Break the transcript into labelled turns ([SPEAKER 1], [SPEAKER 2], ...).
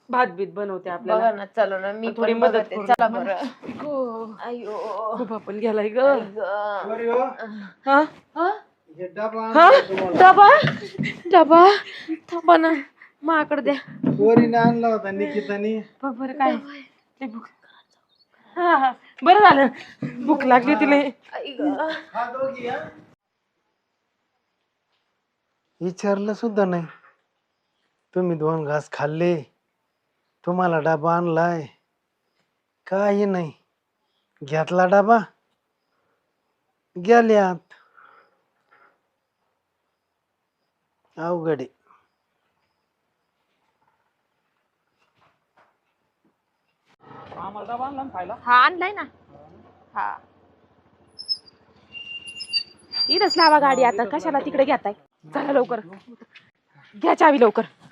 [SPEAKER 1] भात बीत बनवते
[SPEAKER 2] बघा
[SPEAKER 1] आपल्याला.
[SPEAKER 2] ना, चलो ना, मी
[SPEAKER 1] थोडी
[SPEAKER 2] पण
[SPEAKER 1] मदत
[SPEAKER 2] बघते.
[SPEAKER 1] करू
[SPEAKER 2] चला
[SPEAKER 1] मला.
[SPEAKER 2] बरं.
[SPEAKER 1] गो.
[SPEAKER 2] अयो
[SPEAKER 1] खूप आपण गेलाय ग.
[SPEAKER 2] आई गं.
[SPEAKER 3] बरी हो.
[SPEAKER 1] हा
[SPEAKER 2] हा?
[SPEAKER 3] हे डबा
[SPEAKER 1] हा?
[SPEAKER 3] आणला तुम्हाला.
[SPEAKER 2] डबा डबा थांबा ना, माकडे द्या.
[SPEAKER 3] पोरीने आणला होता निकितानी.
[SPEAKER 1] बघ बरं काय लय भूक. हा हा बरं झालं भूक लागली तिला.
[SPEAKER 2] आई गं.
[SPEAKER 3] हा दोघी हा. विचारलं सुद्धा नाही. तुम्ही 2 घास खाल्ले, तुम्हाला डबा आणलाय, काही नाही. घेतला डबा, गेल्यात. अवघड आहे.
[SPEAKER 2] हा आणलाय ना. हा इथंच लावा गाडी. आता कशाला तिकडे घेताय? चला लवकर घ्या चावी लवकर.